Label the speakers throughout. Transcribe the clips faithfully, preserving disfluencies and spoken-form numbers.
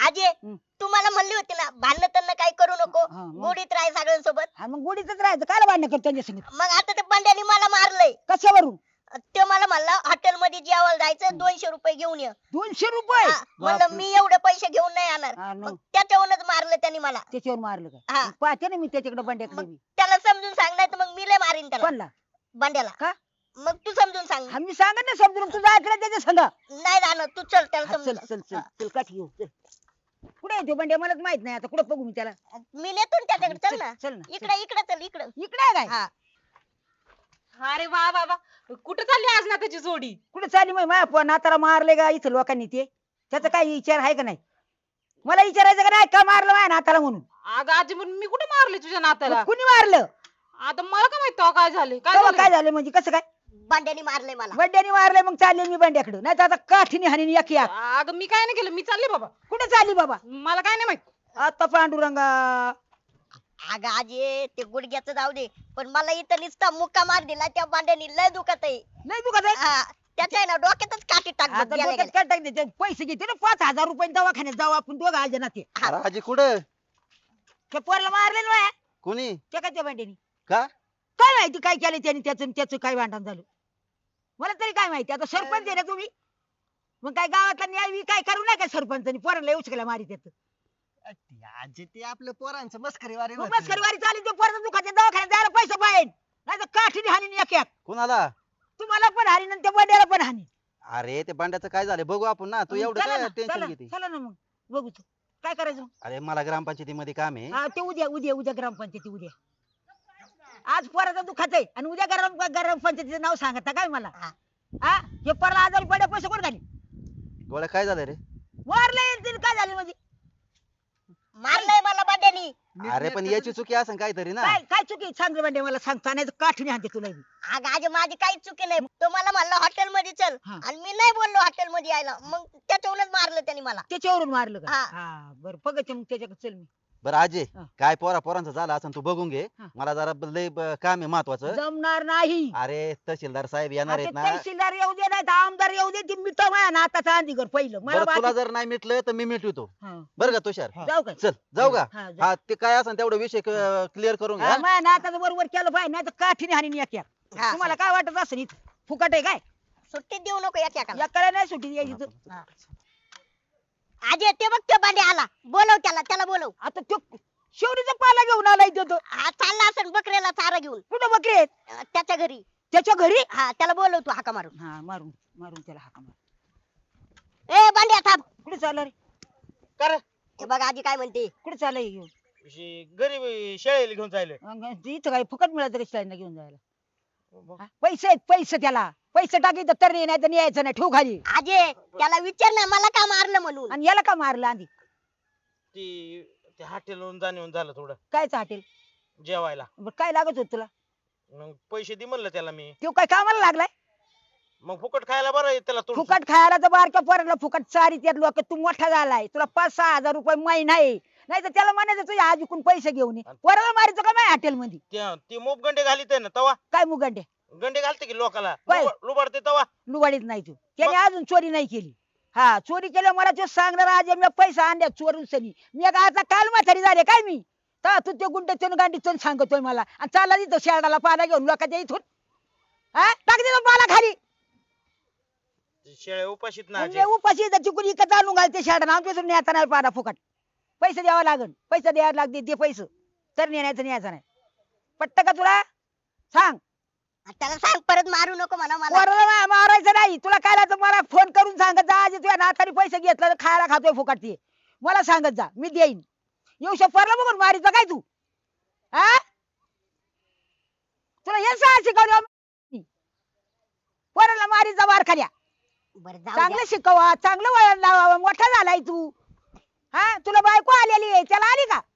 Speaker 1: आजे तुम्हाला म्हणली होती ना भांडण त्यांना काही करू नको,
Speaker 2: हा, मग?
Speaker 1: गोडीत राह सगळ्यांसोबत.
Speaker 2: हा मग गोडीतच राहायचं, काय भांडण करतो त्यांच्या संग?
Speaker 1: मग आता ते बंड्याने मला मारलंय.
Speaker 2: कशावरून?
Speaker 1: ते मला म्हणला हॉटेल मध्ये जेवायला जायचं, दोनशे रुपये घेऊन ये.
Speaker 2: दोनशे रुपये?
Speaker 1: हा, म्हणलं
Speaker 2: बापरे.
Speaker 1: मी एवढे पैसे घेऊन नाही येणार.
Speaker 2: हा, मग?
Speaker 1: मग त्याच्यावरूनच मारलं त्यांनी मला.
Speaker 2: त्याच्यावर मारलं का?
Speaker 1: हा.
Speaker 2: मग पाहते ना मी त्याच्याकडे बंड्याकडे
Speaker 1: मग
Speaker 2: बी.
Speaker 1: त्याला समजून सांग, नाही तर मग मी लय मारीन त्याला,
Speaker 2: कोणला?
Speaker 1: बंड्याला.
Speaker 2: का?
Speaker 1: मग तू समजून सांग.
Speaker 2: हा, मी सांगत ना समजून, तुझा ऐकलं त्याच्या संग.
Speaker 1: नाही जाणार तू, चल त्याला
Speaker 2: हा, चल
Speaker 1: समजून
Speaker 2: चल चल
Speaker 1: सांग.
Speaker 2: चल काठी घेऊ चल. कुठे आहे तो बंड्या? मलाच माहित नाही आता, कुठे बघू मी त्याला?
Speaker 1: मी नेतो ना त्याच्याकडे, चल ना.
Speaker 2: चल ना
Speaker 1: इकडे इकडे चल इकडे.
Speaker 2: इकडे आहे काय?
Speaker 1: हा.
Speaker 3: अरे वा वा वा, कुठं चालली आज ना त्याची जोडी?
Speaker 2: कुठे चालली मग? माझ्या नाताला मारले का इथं लोकांनी? ते त्याचा काही विचार आहे का नाही? मला विचारायचं का नाही का मारलं माझ्या नाताला म्हणून?
Speaker 3: अगं आजी म्हणून मी कुठे मारले तुझ्या नात्याला?
Speaker 2: मग कुणी मारलं?
Speaker 3: आता मला काय माहित तेव्हा काय झाले? काय
Speaker 2: तेव्हा
Speaker 3: झालं?
Speaker 2: काय झालं म्हणजे? कसं काय?
Speaker 1: बंड्याने मारलंय मला.
Speaker 2: बंड्याने मारले? मग चालले मी बंड्याकडे, नाही तर आता काठीने हानी एक या.
Speaker 3: अगं मी काय नाही केलं, मी चालले बाबा.
Speaker 2: कुठे चालली बाबा?
Speaker 3: मला काय नाही माहित.
Speaker 2: आता पांडुरंगा,
Speaker 1: अगं आजे ते गुडघ्याचं जाऊ दे, पण मला इथं नुसता मुक्का मार दिला त्या बांड्यानी, लय दुखत आहे.
Speaker 2: नाही दुखत आहे?
Speaker 1: हा, त्याच्या आहे ना डोक्यातच काठी टाक बघ,
Speaker 2: आता
Speaker 1: गेल्या
Speaker 2: डोक्यात
Speaker 1: गेल्या.
Speaker 2: काय टाकते ते? पैसे घेते ना पाच हजार रुपये, दवाखान्यात जाऊ आपण दोघं आज ना. ते
Speaker 4: अरे आजी कुठं?
Speaker 2: ते पोराला मारले ना
Speaker 4: कोणी?
Speaker 2: ते काय त्या बंड्यानी?
Speaker 4: का?
Speaker 2: काय माहिती काय केलं त्याने, त्याचं त्याचं काय भांडण झालं मला तरी काय माहिती. आता सरपंच आहे ना तुम्ही, मग काय गावातला न्याय बी काय करू नका सरपंचानी, पोराला उचकला मारी त्याचं.
Speaker 5: आजी ते आपलं पोरांचं मस्करीवारी
Speaker 2: मग
Speaker 5: होती.
Speaker 2: मस्करवारी चालली, ते पोराचं दुखाच्या दवाखान्यात जायला पैसे पाहिजे, नाही तर काठीने हानी एक एक.
Speaker 4: कुणाला?
Speaker 2: तुम्हाला पण हानी आणि त्या बंड्याला पण हानी.
Speaker 4: अरे ते बंड्याचं काय झालं बघू आपण ना. तू एवढं
Speaker 2: चला
Speaker 4: काय
Speaker 2: ना,
Speaker 4: टेन्शन
Speaker 2: चला
Speaker 4: घेते?
Speaker 2: चला ना मग बघू तू काय करायचं मग.
Speaker 4: अरे मला ग्रामपंचायतीमध्ये काम आहे.
Speaker 2: हा ते उद्या उद्या उद्या ग्रामपंचायती उद्या. आज पोराचा दुखाच आहे आणि उद्या ग्राम ग्रामपंचायतीचं नाव सांगता काय मला?
Speaker 1: हा.
Speaker 2: हा हे पोराला आजारी पडे पैसे कोण घाली?
Speaker 4: गोळ्या काय झालं रे?
Speaker 2: मारले येतील काय झाले म्हणजे?
Speaker 1: मारलंय मला बांड्यानी.
Speaker 4: अरे पण याची चुकी असेल काहीतरी ना.
Speaker 2: काय काय चुकी सांग बंडे मला सांगता, नाही तर काठीने हाणते तुला बी.
Speaker 1: अगं आजे माझी काहीच चुकी नाही. तो मला म्हणला हॉटेल मध्ये चल,
Speaker 2: हा.
Speaker 1: आणि मी नाही बोललो हॉटेल मध्ये यायला, मग त्याच्यावरूनच मारलं त्यांनी मला.
Speaker 2: त्याच्यावरून मारलं का?
Speaker 1: हा.
Speaker 2: हा बरं बघते मग त्याच्याकडे चल मी.
Speaker 4: बरं आजे
Speaker 2: हा.
Speaker 4: काय पोरा पोरांचं झालं असं तू बघून घे.
Speaker 2: हा.
Speaker 4: मला जरा ब- लय ब- काम आहे महत्वाचं.
Speaker 2: जमणार नाही.
Speaker 4: अरे तहसीलदार साहेब येणार
Speaker 2: आता
Speaker 4: आहेत ना.
Speaker 2: तहसीलदार येऊ दे नाही तर आमदार येऊ दे, ती मिटव माझ्या नाताचा अंधीकर पहिलं मला
Speaker 4: बरं तुला
Speaker 2: बाकी-
Speaker 4: जर नाही मिटलं तर मी मिटवतो.
Speaker 2: हा.
Speaker 4: बरं का तुषार?
Speaker 2: जाऊ काय?
Speaker 4: चल जाऊ का?
Speaker 2: हा, जाऊ.
Speaker 4: हा ते काय असेल तेवढा विषय क्लिअर करून
Speaker 2: हा,
Speaker 4: घ्या.
Speaker 2: माझ्या नाताचं बरोबर केलं पाहिजे, नाही तर काठीने हानी एक एक.
Speaker 1: हा.
Speaker 2: तुम्हाला काय वाटत असं इथं फुकट आहे काय?
Speaker 1: सुट्टी देऊ नको एकेकाला.
Speaker 2: एकाला नाही सुट्टी द्यायची इथं.
Speaker 1: हा. आजे ते बघ तो बांडे आला, बोलव त्याला, त्याला बोलव.
Speaker 2: आता तो शेवटीचा पाला घेऊन आलाय तो. तो
Speaker 1: हा, चालला असेल बकऱ्याला चारा घेऊन
Speaker 2: कुठं बकरी आहेत?
Speaker 1: अं, त्याच्या घरी.
Speaker 2: त्याच्या घरी?
Speaker 1: हा, त्याला बोलव तू हाका मारून.
Speaker 2: हा मारून मारून त्याला हाका मार.
Speaker 1: ए बांड्या थांब.
Speaker 2: कुठे चालला रे?
Speaker 5: का रे?
Speaker 1: हे बघ आजी काय म्हणते.
Speaker 2: कुठे चाललाय घेऊन?
Speaker 5: शे- गरीब शेळीला घेऊन जायले.
Speaker 2: अंग- इथं काय फुकट मिळालं कशी घेऊन जायला? हा? पैसे आहेत पैसे, त्याला पैसे टाकी तर नाही तर यायचं नाही, ठेव खाली.
Speaker 1: आजे त्याला विचार ना मला का मारलं म्हणून.
Speaker 2: आणि याला का मारलं आधी?
Speaker 5: ती ते हॉटेलवरून जाणं झालं थोडं
Speaker 2: कायच हॉटेल?
Speaker 5: जेवायला.
Speaker 2: बरं काय लागत होत तुला?
Speaker 5: मग पैसे दे म्हणलं त्याला मी.
Speaker 2: तो काय कामाला लागलाय?
Speaker 5: मग फुकट खायला बरं आहे त्याला थोडं.
Speaker 2: फुकट खायला तर बारक्या पोराला फुकट चारी त्यात लोक, तू मोठा झालाय, तुला पाच सहा हजार रुपये महिना आहे, नाही तर त्याला म्हणायचं तुझ्या आजीकून पैसे घेऊन ये. पोराला मारायचं का माझ्या हॉटेल मध्ये?
Speaker 5: त्या- ती मोप गंडे घालीत ना तवा.
Speaker 2: काय मुगंडे
Speaker 5: गंडे घालते की लोकाला
Speaker 2: काय?
Speaker 5: लुबा- लुबाडते तवा.
Speaker 2: लुबाडीत नाही तू. त्याने अजून चोरी नाही केली. हा चोरी केल्या मला ते सांगणार आज मी पैसा आणल्या चोरून सनी मी एक आता काल म्हातारी झाले काय मी तर तू ते गुंड चोन गांडी चोन सांगतोय मला आणि चालला तिथं शेरडाला पाला घेऊन लोकांच्या इथून. हा टाक दे पाला खाली.
Speaker 5: शेळ्या उपाशीत ना
Speaker 2: म्हणजे उपाशी चिकून इकत आणून घालते शेरडा आमच्याकडून न्यायचा नाही पाला फुकट. पैसे द्यावा लागन, पैसे द्यावा लागते ते पैसे तर नेण्याचं न्यायचं नाही. पट्ट का तुला? सांग.
Speaker 1: त्याला सांग परत मारू नको म्हणा मला.
Speaker 2: पोराला मा- मारायचं नाही तुला काय लागतं मला फोन करून सांगत जा आज तुझ्या नाताने पैसे घेतलं तर खायला खातोय फुकट ते मला सांगत जा मी देईन. येऊ पोरला बघून मारीचं काय तू? हा तुला हे सांग शिकवलं पोराला मारीचा मार खाल्या.
Speaker 1: बरं जाऊ
Speaker 2: चांगलं
Speaker 1: द्या.
Speaker 2: शिकवा, चांगलं वळण लावा, मोठा झालाय तू. हा तुला बायको आलेली आहे त्याला आली का?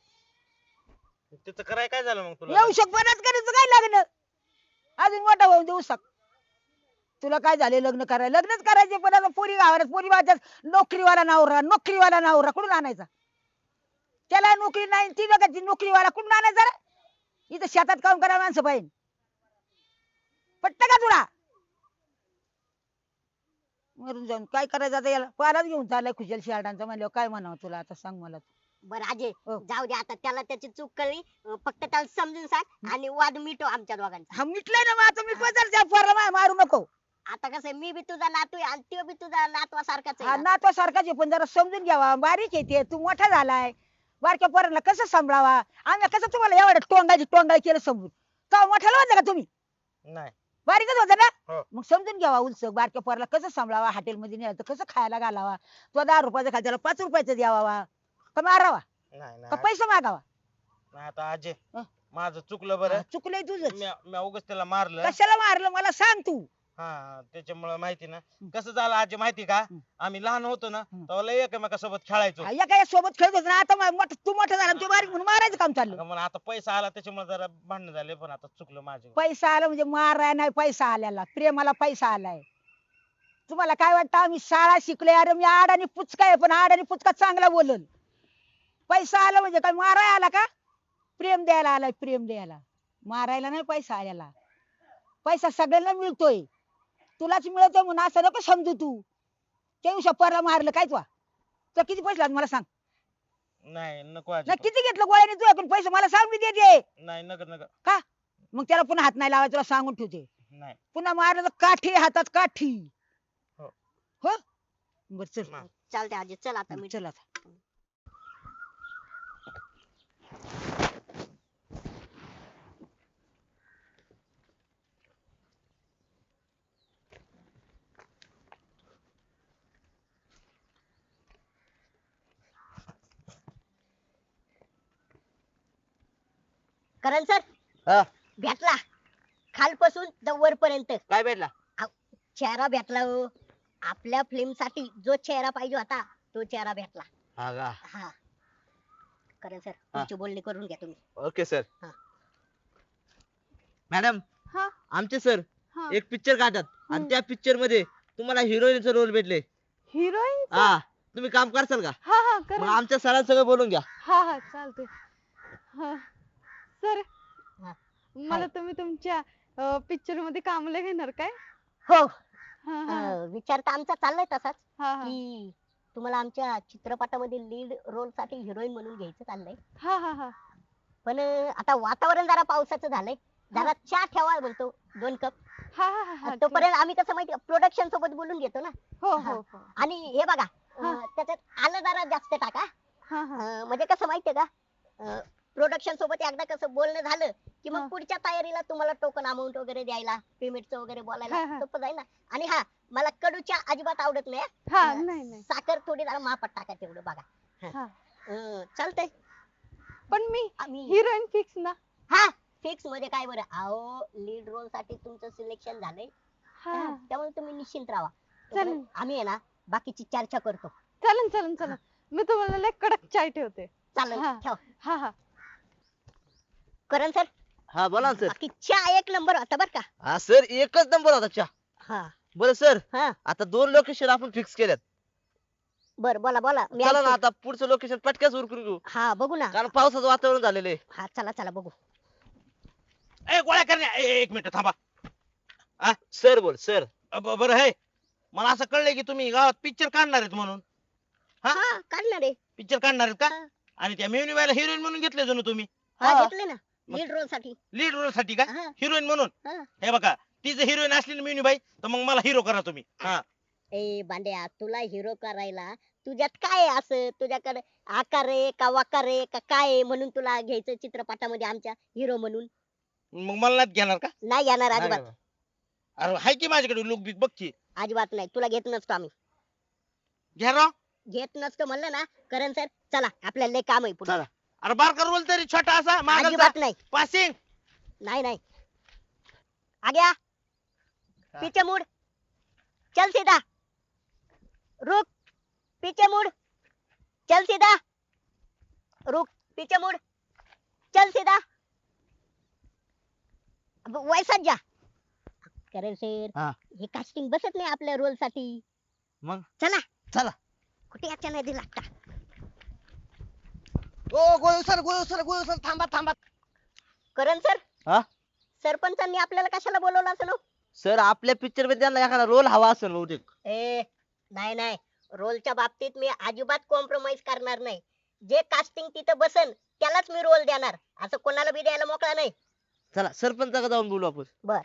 Speaker 5: तिथं कराय काय झालं मग तुला?
Speaker 2: येऊ शकपणच करायचं काय लग्न अजून मोठा होऊन देऊ शक. तुला काय झाले लग्न करायला? लग्नच करायचे पण आता पोरी गावात पोरी वाजत नोकरीवाला नवरा नोकरीवाला नवरा कुठून आणायचा? त्याला नोकरी नाही ती बघा ती नोकरीवाला कुठून आणायचा रे? इथं शेतात काम करा माणसं पाहिजे. पटत का तुला? मरून जाऊन काय करायचं आता याला पाराच घेऊन चाललाय खुशाल शियाडांचा म्हणल्यावर काय म्हणावं तुला आता सांग मला.
Speaker 1: बरं अजय
Speaker 2: हो.
Speaker 1: जाऊ दे आता त्याला त्याची चूक कळली अं, फक्त त्याला समजून सांग आणि वाद मिटव आमच्या दोघांचा.
Speaker 2: हा मिटलंय ना मग आता मिटवा जर त्या पोराला मा- मारू नको.
Speaker 1: आता कसं आहे, मी बी तुझा नातू आहे आणि तो बी तुझा नातवा सारखाच
Speaker 2: हा
Speaker 1: आहे ना.
Speaker 2: नातवा सारखाच आहे पण जरा समजून घ्यावा बारीक येते तू मोठा झालाय बारक्या पोरांना कसं सांभाळावा आम्ही कसं तुम्हाला एवढं टोंगाची टोंगाई केलं समजून का मोठ्याला होतं का तुम्ही
Speaker 5: नाही
Speaker 2: बारीकच होतं ना
Speaker 5: हो.
Speaker 2: मग समजून घ्यावा उलस बारक्या पोराला कसं सांभाळावा हॉटेलमध्ये न्यायला तर कसं खायला घालावा तो दहा रुपयाचा खायला त्याला पाच रुपयाचा द्यावा का मारावा
Speaker 5: नाही
Speaker 2: का
Speaker 5: नाही
Speaker 2: पैसा मागावा.
Speaker 5: नाही, आता अजय
Speaker 2: हं?
Speaker 5: माझं चुकलं बरं
Speaker 2: चुकलंय तुझं
Speaker 5: मी मी उगाच त्याला मारलं
Speaker 2: कशाला मारलं मला सांग तू.
Speaker 5: हा त्याच्यामुळे माहिती ना कसं झालं अजय माहिती का
Speaker 2: हं.
Speaker 5: आम्ही लहान होतो ना
Speaker 2: हं.
Speaker 5: तेव्हा लय एकमेकासोबत खेळायचो
Speaker 2: हा, या काय सोबत खेळत होत ना आता मा- मोठा- तू मोठा झाला आणि तू बारीक म्हणून मारायचं काम चाललं.
Speaker 5: अगं मला आता पैसा आला त्याच्यामुळे जरा भांडण झाले पण आता चुकलं माझे
Speaker 2: पैसा आला म्हणजे माराय नाही पैसा आल्याला प्रेमाला पैसा आलाय. तुम्हाला काय वाटतं आम्ही शाळा शिकलोय अरे मी आड आणि पुचका आहे पण आड आणि पुचका चांगला बोलल. पैसा आला म्हणजे काय माराय आला का प्रेम द्यायला आलाय प्रेम द्यायला मारायला नाही पैसा आलेला. पैसा सगळ्यांना मिळतोय तुलाच मिळतोय म्हणून असं नको समजू तू. त्या दिवशी परला मारलं काय तुला तर किती पैसे लागले मला सांग.
Speaker 5: नाही नको अजय
Speaker 2: नाही किती घेतलं गोळ्याने तू ऐकून पैसे मला सांग मी देते.
Speaker 5: नाही नका नका
Speaker 2: का मग त्याला पुन्हा हात नाही लावायचा तुला सांगून ठेवते.
Speaker 5: नाही
Speaker 2: पुन्हा मारलं तर काठी हातात काठी.
Speaker 5: हो.
Speaker 2: हो बर चल
Speaker 5: हा.
Speaker 1: चालते अजय चल आता मी
Speaker 2: चल आता.
Speaker 1: करण सर
Speaker 4: हा
Speaker 1: भेटला खालपासून तर वरपर्यंत
Speaker 4: काय भेटला?
Speaker 1: चेहरा भेटला हो. आपल्या फिल्म साठी जो चेहरा पाहिजे होता तो चेहरा भेटला.
Speaker 4: हा का?
Speaker 1: हा करण सर तुमची बोलणी करून घ्या तुम्ही.
Speaker 6: ओके सर
Speaker 1: हा.
Speaker 6: मॅडम
Speaker 3: हा
Speaker 6: आमचे सर
Speaker 3: हा
Speaker 6: एक पिक्चर काढतात आणि त्या पिक्चर मध्ये तुम्हाला हिरोईनचा रोल भेटले.
Speaker 3: हिरोईन
Speaker 6: हा तुम्ही काम करसाल का?
Speaker 3: हा हा
Speaker 6: मग
Speaker 3: कर
Speaker 6: आमच्या सरांसंग सगळं बोलून घ्या.
Speaker 3: हा हा चालतंय हा सर
Speaker 1: हा.
Speaker 3: मला तुम्ही तुमच्या पिक्चर मध्ये कामाला घेणार काय?
Speaker 1: हो
Speaker 3: हा हा
Speaker 1: अं, विचार तर आमचा चाललाय तसाच
Speaker 3: हा हा
Speaker 1: की तुम्हाला आमच्या चित्रपटामध्ये लीड रोल साठी हिरोईन म्हणून घ्यायचं चाललंय.
Speaker 3: हा हा हा
Speaker 1: पण अं, आता वातावरण जरा पावसाचं झालंय जरा चहा ठेवा बोलतो दोन कप.
Speaker 3: हा हा हा हा
Speaker 1: तोपर्यंत आम्ही कसं माहिती प्रोडक्शन सोबत बोलून घेतो ना.
Speaker 3: हो
Speaker 1: हा.
Speaker 3: हो हो
Speaker 1: आणि हे बघा
Speaker 3: हा.
Speaker 1: अं, त्याच्यात आलं जरा जास्त टाका.
Speaker 3: हा हा
Speaker 1: अं, म्हणजे कसं माहितीये का प्रोडक्शन सोबत एकदा कसं बोलणं झालं की
Speaker 3: हा.
Speaker 1: मग पुढच्या तयारीला तुम्हाला टोकन अमाऊंट वगैरे द्यायला पेमेंटचं वगैरे
Speaker 3: हा,
Speaker 1: बोलायला
Speaker 3: हा.
Speaker 1: सोपं जाईल ना. आणि हा मला कडूच्या अजिबात आवडत नाही हा.
Speaker 3: हा
Speaker 1: अं,
Speaker 3: नाही नाही
Speaker 1: साखर थोडी जरा मापात टाका तेवढं बघा.
Speaker 3: हा
Speaker 1: अं, चालतंय
Speaker 3: पण मी
Speaker 1: आम्ही
Speaker 3: हिरोईन फिक्स ना.
Speaker 1: हा फिक्स मध्ये काय बरं अहो लीड रोल साठी तुमचं सिलेक्शन झालंय.
Speaker 3: हा
Speaker 1: हा, त्यामुळे तुम्ही निश्चिंत राहा.
Speaker 3: चालेल.
Speaker 1: तोपर्यंत आम्ही आहे ना बाकीची चर्चा करतो.
Speaker 3: चालन चालन चालन मी तुम्हाला लय कडक चाय ठेवते.
Speaker 1: चालेल
Speaker 3: हा.
Speaker 1: ठेव.
Speaker 3: हा हा
Speaker 1: करण सर
Speaker 6: हा बोला ना सर.
Speaker 1: बाकी चहा एक नंबर होता बर का.
Speaker 6: हा सर एकच नंबर होता चहा.
Speaker 1: हा
Speaker 6: बरं सर
Speaker 1: हा
Speaker 6: आता दोन लोकेशन आपण फिक्स केल्यात.
Speaker 1: बर बोला बोला मी
Speaker 6: चला ना
Speaker 1: ऐकतो.
Speaker 6: आता पुढचं लोकेशन पटक्याच उरकून घेऊ
Speaker 1: हा बघू ना.
Speaker 6: कारण पावसाचं वातावरण झालेलं आहे.
Speaker 1: हा चला चला बघू.
Speaker 5: ए गोळ्या करण्या ए, एक मिनिट थांबा.
Speaker 6: सर बोल सर.
Speaker 5: अ, ब- बरं आहे मला असं कळलंय की तुम्ही गावात पिक्चर काढणार आहेत म्हणून. हा?
Speaker 1: हा काढणार आहे.
Speaker 5: पिक्चर काढणार आहेत का
Speaker 1: हा.
Speaker 5: आणि त्या मेवणीबाईला हिरोईन म्हणून घेतले जणू तुम्ही
Speaker 1: हा
Speaker 6: हा.
Speaker 1: घेतले ना
Speaker 5: मग-
Speaker 1: लीड रोल साठी.
Speaker 5: लीड रोल साठी का
Speaker 1: हा,
Speaker 5: हिरोईन म्हणून.
Speaker 1: हा.
Speaker 5: हे बघा ती जर हिरोईन असली ना मेवणीबाई तर मग मला हिरो करा तुम्ही. हा
Speaker 1: ए बांड्या तुला हिरो करायला तुझ्यात काय आहे असं तुझ्याकडे आकार आहे का वाकार आहे का काय आहे म्हणून तुला घ्यायचं चित्रपटामध्ये आमच्या हिरो म्हणून.
Speaker 5: मग मला नाही घेणार का?
Speaker 1: नाही येणार अजिबात.
Speaker 5: अरे हाय की माझ्याकडे लुक बिक बघ की.
Speaker 1: अजिबात नाही तुला घेत नसतो आम्ही.
Speaker 5: घ्या राव.
Speaker 1: घेत नसतो म्हणलं ना करण सर चला आपल्याला लय काम आहे पुढे.
Speaker 6: चला.
Speaker 5: अरे बारका रोल तरी छोटा असा मागचा
Speaker 1: अजिबात नाही.
Speaker 5: पासिंग.
Speaker 1: नहीं नहीं आ गया पीछे मुड़ चल सीधा रुक पीछे मुड़ चल सीधा रुक पीछे मुड़ चल सीधा अब वैसाच जा. करेल सर
Speaker 6: हा.
Speaker 1: हे कास्टिंग बसत नाही आपल्या रोल साठी.
Speaker 6: मग
Speaker 1: चला
Speaker 6: चला.
Speaker 1: कुठे याच्या नाही लागता.
Speaker 7: ओ गोळू सर गोळू सर गोळू सर थांबा थांबा.
Speaker 1: करण सर
Speaker 6: हा?
Speaker 1: सरपंचांनी आपल्याला कशाला बोलवलं असं नो.
Speaker 6: सर आपल्या पिक्चर मध्ये त्यांना एखादा रोल हवा असेल बहुतेक.
Speaker 1: ए नाही नाही, रोलच्या बाबतीत मी अजिबात कॉम्प्रोमाइज करणार नाही. जे कास्टिंग तिथं बसन त्यालाच मी रोल देणार, असं कोणाला बी द्यायला मोकळा नाही.
Speaker 6: चला सरपंचाकडे जाऊन बोलू आपण.
Speaker 1: बर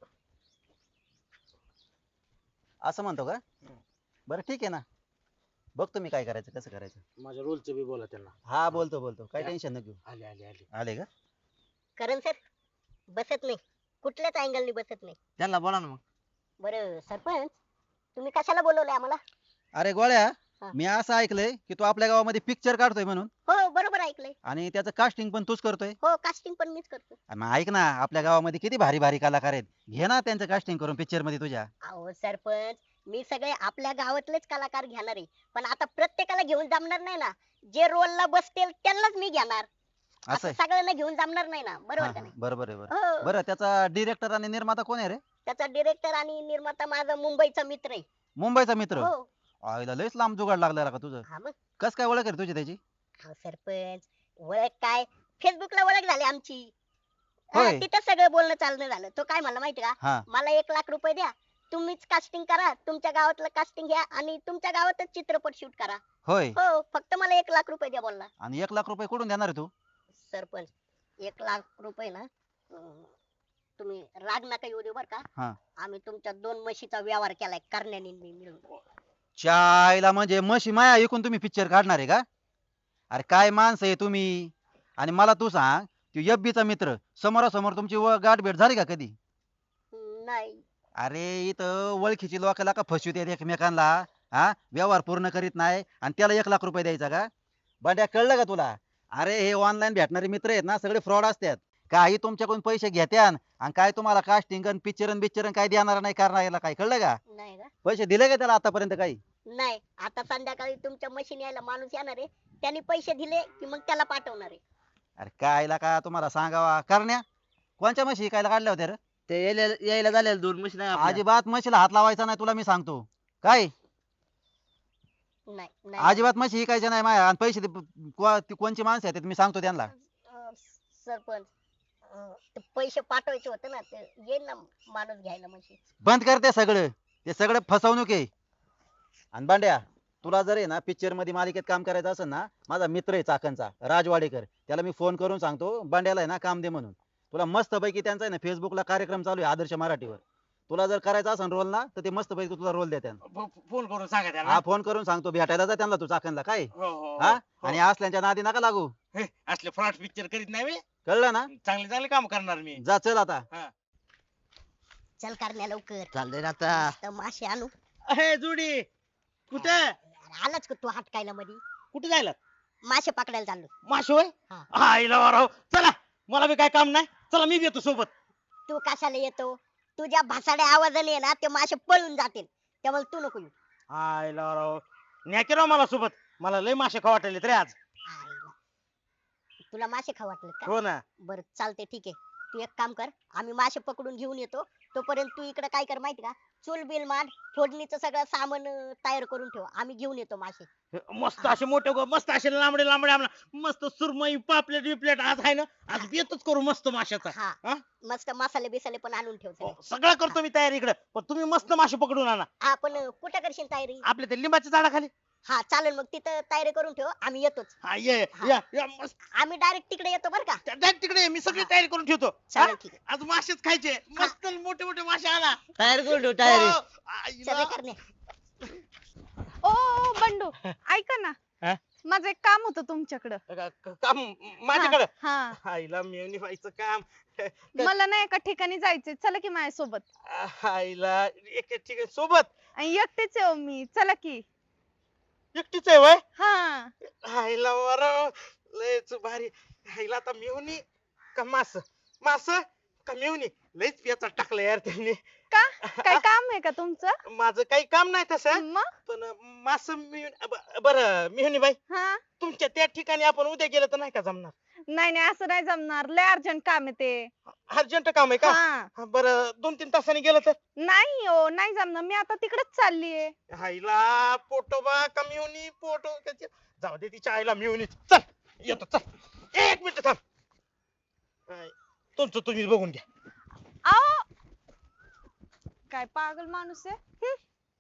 Speaker 4: असं म्हणतो का? बरं ठीक आहे ना, बघतो मी काय करायचं कसं करायचं.
Speaker 5: माझ्या रोलचं बी बोला त्यांना.
Speaker 4: हा बोलतो बोलतो, काय टेन्शन नको घेऊ.
Speaker 5: आले आले आले.
Speaker 4: आले का?
Speaker 1: करण सर बसत नाही, कुठल्याच अँगलनी बसत नाही.
Speaker 6: त्यांना बोला ना मग.
Speaker 1: बरं सरपंच, तुम्ही कशाला बोलवलंय आम्हाला?
Speaker 4: अरे गोळ्या,
Speaker 1: हा.
Speaker 4: मी असं ऐकलंय की तू आपल्या गावामध्ये पिक्चर काढतोय म्हणून,
Speaker 1: हो बरोबर ऐकलंय.
Speaker 4: आणि त्याचं कास्टिंग पण तूच करतोय.
Speaker 1: हो कास्टिंग पण मीच करतो.
Speaker 4: अरे मग ऐक ना, आपल्या गावामध्ये किती भारी भारी कलाकार आहेत, घे ना त्यांचं कास्टिंग करून पिक्चर मध्ये तुझ्या.
Speaker 1: अहो सरपंच, मी सगळे आपल्या गावातलेच कलाकार घेणार आहे, पण आता प्रत्येकाला घेऊन जमणार नाही ना. जे रोलला बसतील त्यांनाच मी घेणार.
Speaker 4: असं
Speaker 1: असं
Speaker 4: आहे?
Speaker 1: सगळ्यांना घेऊन जमणार नाही ना,
Speaker 4: हा,
Speaker 1: बरोबर
Speaker 4: हा,
Speaker 1: का नाही?
Speaker 4: बरोबर आहे बरं.
Speaker 1: हो.
Speaker 4: बरं, त्याचा डिरेक्टर आणि निर्माता कोण आहे रे?
Speaker 1: त्याचा डिरेक्टर आणि निर्माता माझा मुंबईचा मित्र आहे.
Speaker 4: मुंबईचा मित्र?
Speaker 1: हो.
Speaker 4: आईला लयच लांब जुगाड लागला का तुझं.
Speaker 1: हा मग.
Speaker 4: कस काय ओळख आहे रे तुझी त्याची?
Speaker 1: अहो सरपंच, ओळख काय, फेसबुकला ओळख झाली आमची. हा,
Speaker 4: होय.
Speaker 1: तिथं सगळं बोलणं चालणं झालं. तो काय म्हणला माहिती का,
Speaker 4: हा.
Speaker 1: मला एक लाख रुपये द्या, तुम्हीच कास्टिंग करा, तुमच्या गावातलं कास्टिंग घ्या आणि तुमच्या गावातच चित्रपट शूट करा.
Speaker 4: होय.
Speaker 1: हो, फक्त मला एक लाख रुपये द्या बोलला.
Speaker 4: आणि एक लाख रुपये कुठून देणार आहे तू?
Speaker 1: सरपंच, एक लाख रुपये ना, अं, तुम्ही राग नका येऊ देऊ बर का.
Speaker 4: हा.
Speaker 1: आम्ही तुमच्या दोन म्हशीचा व्यवहार केलाय करण्याने मी मिळून.
Speaker 4: चायला म्हणजे म्हशी माया ऐकून तुम्ही पिक्चर काढणार आहे का? अरे काय माणसं आहे तुम्ही. आणि मला तू सांग, तू एफबीचा मित्र, समोरासमोर तुमची व- गाठ भेट झाली का कधी?
Speaker 1: हम्म, नाही.
Speaker 4: अरे इथं ओळखीची लोकांना का फसवतात एकमेकांना, हा व्यवहार पूर्ण करीत नाही आणि त्याला एक लाख रुपये द्यायचा का? बंड्या कळलं का तुला? अरे हे ऑनलाईन भेटणारे मित्र आहेत ना, सगळे फ्रॉड असतात. काही तुमच्याकडून पैसे घेत्यान आणि काय तुम्हाला कास्टिंग आणि पिक्चर बिक्चर काय देणार नाही करणार, काय कळलं का?
Speaker 1: नाही का?
Speaker 4: पैसे दिले का त्याला आतापर्यंत काही?
Speaker 1: नाही, आता संध्याकाळी तुमच्या मशीन यायला माणूस येणार आहे, त्यांनी पैसे दिले की मग त्याला पाठवणार आहे.
Speaker 4: अरे कायला का तुम्हाला सांगावा करण्या, कोणच्या म्हशी कायला काढल्या होत्या रे?
Speaker 6: ते यायला यायला झालेल्या दोन मशीन आहे आपल्या.
Speaker 4: अजिबात म्हशीला हात लावायचा नाही तुला मी सांगतो. काय
Speaker 1: नाही नाही.
Speaker 4: अजिबात म्हशी ऐकायच्या नाही माया, आणि पैसे दे- को- ती कोणची माणसं आहेत मी सांगतो त्यांना.
Speaker 1: अं, सरपंच, अं, ते पैसे पाठवायचे होते ना, ते येईल ना माणूस घ्यायला म्हशी.
Speaker 4: बंद कर ते सगळं, ते सगळं फसवणूक आहे. आणि बांड्या, तुला जर आहे ना पिक्चर मध्ये मालिकेत काम करायचं असेल ना, माझा मित्र आहे चाकणचा राजवाडेकर, त्याला मी फोन करून सांगतो बांड्याला आहे ना काम दे म्हणून. तुला मस्त पैकी त्यांचा आहे ना फेसबुकला कार्यक्रम चालू आहे आदर्श मराठीवर. तुला जर करायचा असेल रोल ना, तर ते मस्त पैकी तुला रोल देत्या.
Speaker 5: फोन करून सांगा त्यांना.
Speaker 4: हा फोन करून सांगतो, भेटायला जा त्यांना तू चाकणला. काय
Speaker 5: हो, हो,
Speaker 4: हा,
Speaker 5: हो.
Speaker 4: आणि असल्याच्या नादी नका लागू,
Speaker 5: हे, असले फ्रॉड पिक्चर करीत नाही मी.
Speaker 4: कळलं ना?
Speaker 5: चांगले चांगले काम करणार मी.
Speaker 4: जा चल आता.
Speaker 1: चल करण्या लवकर.
Speaker 6: चाललंय ना आता.
Speaker 1: मस्त मासे आणू.
Speaker 5: अहे जुडी कुठे
Speaker 1: अरे आलाच का तू हटकायला मध्ये?
Speaker 5: कुठे जायला?
Speaker 1: मासे पकडायला चाललो.
Speaker 5: माशे होय?
Speaker 1: हा.
Speaker 5: आईला वाराव. चला, मला बी काय काम नाही, चला मी बी येतो सोबत.
Speaker 1: तू कशाला येतो? तुझ्या भासाड्या आवाजाने ना ते मासे पळून जातील, त्यामुळे तू नको येऊ.
Speaker 5: आईला वाराव. न्या की राव मला सोबत, मला लय मासे खाऊ वाटले रे आज.
Speaker 1: आईला. तुला मासे खाऊ वाटले का?
Speaker 5: हो ना.
Speaker 1: बरं चालते, ठीक आहे. तू एक काम कर, आम्ही मासे पकडून घेऊन येतो, तोपर्यंत तू इकडे काय कर माहिती का, चूल बिल मांड, फोडणीचं सगळं सामान अं, तयार करून ठेव, आम्ही घेऊन येतो मासे.
Speaker 5: मस्त असे मोठे गो- मस्त असे लांबडे लांबडे आम्हाला मस्त सुरमई पापलेट बिपलेट आज आहे ना, आज बेतच करू मस्त माशाचा.
Speaker 1: हा,
Speaker 5: हा?
Speaker 1: मस्त मसाले बिसाले पण आणून ठेव सगळे.
Speaker 5: हो, सगळं करतो मी तयारी इकडे, पण तुम्ही मस्त मासे पकडून आणा
Speaker 1: हा पण अं, कुठं करशील तयारी?
Speaker 5: आपल्या ते लिंबाच्या झाडाखाली.
Speaker 1: हा चालेल, मग तिथं तयारी करून ठेव, आम्ही येतोच.
Speaker 5: हा ये
Speaker 1: हा.
Speaker 5: या या मस्त.
Speaker 1: आम्ही डायरेक्ट तिकडे येतो बरं का.
Speaker 5: त्या- त्या तिकडे ये, मी सगळी
Speaker 1: हा.
Speaker 5: तयारी करून ठेवतो. हा?
Speaker 1: चालेल, ठीक आहे.
Speaker 5: आज मासेच खायचे, मस्त मोठे मोठे मासे आणा.
Speaker 6: तयारी करून ठेव तयारी.
Speaker 5: हो,
Speaker 1: चल
Speaker 5: आईला.
Speaker 1: रे करणे.
Speaker 3: ओ ओ, बंडू ऐका ना,
Speaker 5: हा?
Speaker 3: माझं एक काम होतं तुमच्याकडं.
Speaker 5: का- का- काम माझ्याकडे.
Speaker 3: हा,
Speaker 5: आईला मेवणी व्हायचं काम.
Speaker 3: मला ना एका ठिकाणी जायचंय, चला की माझ्यासोबत.
Speaker 5: आईला एक ठीक आहे सोबत.
Speaker 3: आणि एकटेच आहे हो मी, चला की.
Speaker 5: एकटीच आहे वय.
Speaker 3: हा,
Speaker 5: आईला वर लयच भारी. आईला आता मेवणी का मास मास का मेवणी, लयच पियाचा टाकला यार त्यांनी.
Speaker 3: का काय काम आहे का तुमचं?
Speaker 5: माझं काही काम नाही तसं,
Speaker 3: मग
Speaker 5: पण मास बर मेहनी बाई,
Speaker 3: हा,
Speaker 5: तुमच्या त्या ठिकाणी आपण उद्या गेलं तर नाही का जमणार?
Speaker 3: नाही नाही असं नाही जमणार, लय अर्जंट काम आहे ते.
Speaker 5: अर्जंट काम आहे का?
Speaker 3: हा,
Speaker 5: बर दोन तीन तासांनी गेलं तर?
Speaker 3: नाही हो नाही जमणार, मी आता तिकडेच चाललीये.
Speaker 5: आईला पोटोबा का मेवणी पोटो त्याची- जाऊ दे तिच्या आईला मेवणी. चल येतो, चल एक मिनिट थांब. आय, तुमचं तुम्ही बघून घ्या.
Speaker 3: आओ काय पागल माणूस आहे.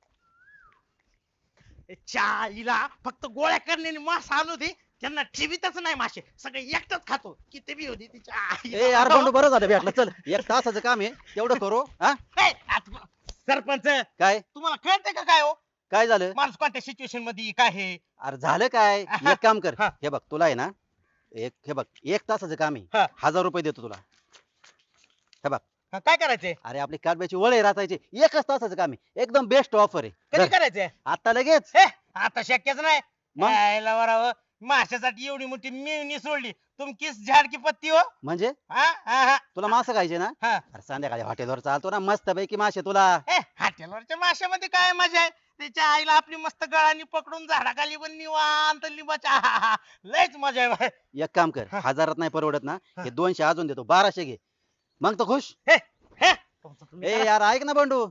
Speaker 5: चाईला फक्त गोळ्या करण्याने मास आणू दे, त्यांना ठेवीतच नाही मासे, सगळे एकटाच खातो. किती बी होती तिच्या आईला.
Speaker 4: ए यार बंडू बरं झालं भेटलं. चल एक तासाचं काम आहे तेवढं करू. हा
Speaker 5: ए, आता सरपंच
Speaker 4: काय
Speaker 5: तुम्हाला कळतंय का काय हो,
Speaker 4: काय झालं?
Speaker 5: माणूस कोणत्या सिच्युएशन मध्ये काय हे.
Speaker 4: अरे झालं काय? एक काम कर,
Speaker 5: हा.
Speaker 4: हे बघ तुला आहे ना, एक हे बघ एक तासाचं काम
Speaker 5: हा.
Speaker 4: आहे, हजार रुपये देतो तुला. हे बघ
Speaker 5: हा, काय करायचंय,
Speaker 4: अरे आपली काडब्याची वळे राचायचे, एकच तासाचं काम आहे, एकदम बेस्ट ऑफर आहे.
Speaker 5: कधी
Speaker 4: धर,
Speaker 5: करायचंय.
Speaker 4: आता लगेच.
Speaker 5: हे आता शक्यच नाही.
Speaker 4: मग?
Speaker 5: यायला वरावं, माशासाठी एवढी मोठी मेवणी सोडली, तुमकीच झाड की पत्ती हो.
Speaker 4: म्हणजे
Speaker 5: हा हा हा
Speaker 4: तुला मासे खायचे ना?
Speaker 5: हा.
Speaker 4: अरे संध्याकाळी हॉटेलवर चालतो ना मस्त पैकी मासे तुला.
Speaker 5: ए, हॉटेलवरच्या माशामध्ये काय मजा आहे. त्याच्या आईला आपली मस्त गळानी पकडून झाडाखाली पण निवांत लिंबाच्या आहाहा, लयच मजा आहे बाय.
Speaker 4: एक काम कर,
Speaker 5: हा.
Speaker 4: हजारात नाही परवडत ना,
Speaker 5: हा.
Speaker 4: हे दोनशे अजून देतो, बाराशे घे, मग तो खुश.
Speaker 5: हे हे तुमचं तुम्ही
Speaker 4: ए
Speaker 5: करा.
Speaker 4: यार ऐक ना बंडू,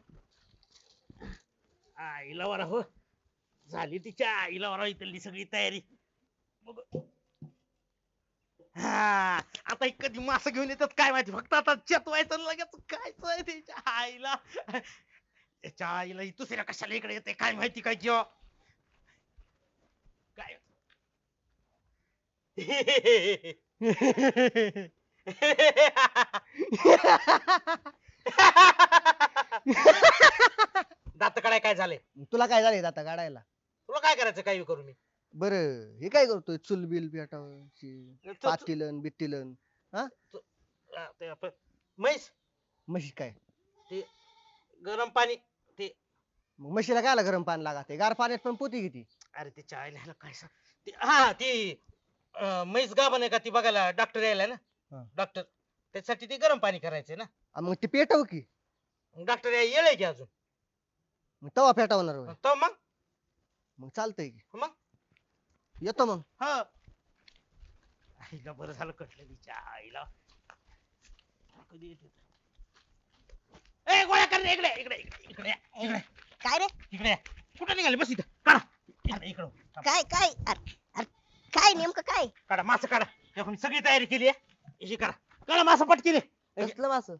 Speaker 5: आईला वरा हो, झाली तिच्या आईला वरा इथली सगळी तयारी. बघ. हा आता हे कधी मास घेऊन येतात काय माहिती, फक्त आता चेतवायचं आणि लगेच खायचं तिच्या आईला. त्याच्या आईला ही दुसऱ्या कशाला इकडे येते काय माहिती काय किंवा काय. दात काढाय काय झालंय,
Speaker 7: तुला काय झालंय आता काढायला?
Speaker 5: तुला काय करायचं काय करू मी.
Speaker 7: बर हे काय करतोय चुलबिल पेटावची पातीलन बिट्टीलन
Speaker 5: आ, ते आपण म्हैस
Speaker 7: म्हशी काय?
Speaker 5: गरम पाणी.
Speaker 7: मग म्हशीला काय गरम पाणी लागते, गार पाण्यात पण पोती किती.
Speaker 5: अरे ते चायला ह्याला काय सांग ते- हा ती अं, म्हैस गाभण आहे का ती बघायला डॉक्टर यायला ना,
Speaker 7: हा.
Speaker 5: डॉक्टर त्यासाठी ते गरम पाणी करायचंय ना.
Speaker 7: आ, मग ते पेटव की,
Speaker 5: डॉक्टर याय येळ आहे की अजून.
Speaker 7: मग तवा पेटवणार होय.
Speaker 5: तो मग
Speaker 7: मग चालतंय की,
Speaker 5: मग
Speaker 7: येतो मग.
Speaker 5: हा आईला बरं झालं कटलं तिच्या आईला. कधी येते ते? ए गोळ्या कर रे, इकडे इकडे इकडे इकडे या, इकडे
Speaker 1: काय रे
Speaker 5: इकडे या. कुठं निघाले बस इथं काढा इकडे इकडं थांब.
Speaker 1: काय काय अरे अरे, काय नेमकं काय
Speaker 5: काढा मास काढा, हे आपण सगळी तयारी केली आहे, ही करा काढा मास पटकी रे.
Speaker 7: कसलं मास?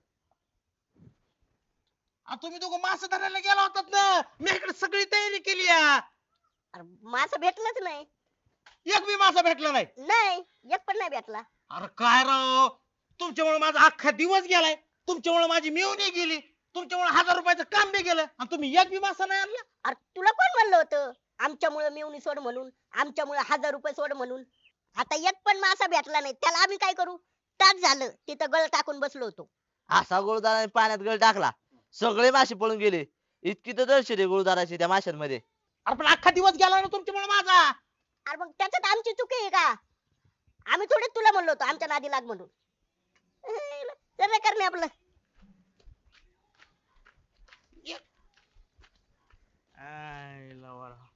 Speaker 5: आ, तुम्ही दोघं मास धरायला गेला होतात ना, मी इकडे सगळी तयारी केली आहे.
Speaker 1: अरे मासा भेटलाच नाही.
Speaker 5: एक बी मासा भेटला नाही.
Speaker 1: नाही एक पण नाही भेटला.
Speaker 5: अरे काय राव, तुमच्यामुळे माझा अख्खा दिवस गेलाय, तुमच्यामुळे माझी मिळवणी गेली, तुमच्यामुळे हजार रुपयाचं काम बी गेलं, आणि तुम्ही एक बी मासा नाही आणला.
Speaker 1: अरे तुला कोण म्हणलं होतं आमच्यामुळे मिळून सोड म्हणून, आमच्यामुळे हजार रुपये सोड म्हणून? आता एक पण मासा भेटला नाही, त्याला आम्ही काय करू? तास झालं तिथं गळ टाकून बसलो होतो.
Speaker 6: असा गुळदाराने पाण्यात गळ टाकला, सगळे मासे पळून गेले. इतकी तर दर्शन आहे गुळदाराची त्या माशांमध्ये.
Speaker 5: अरे पण अख्खा दिवस गेला ना तुमच्यामुळे माझा.
Speaker 1: अरे मग त्याच्यात आमची चुकी आहे का? आम्ही थोडे तुला म्हणलो होतो आमच्या नादी लाग म्हणून. चल रे करणे आपलं.
Speaker 5: आईला वरा.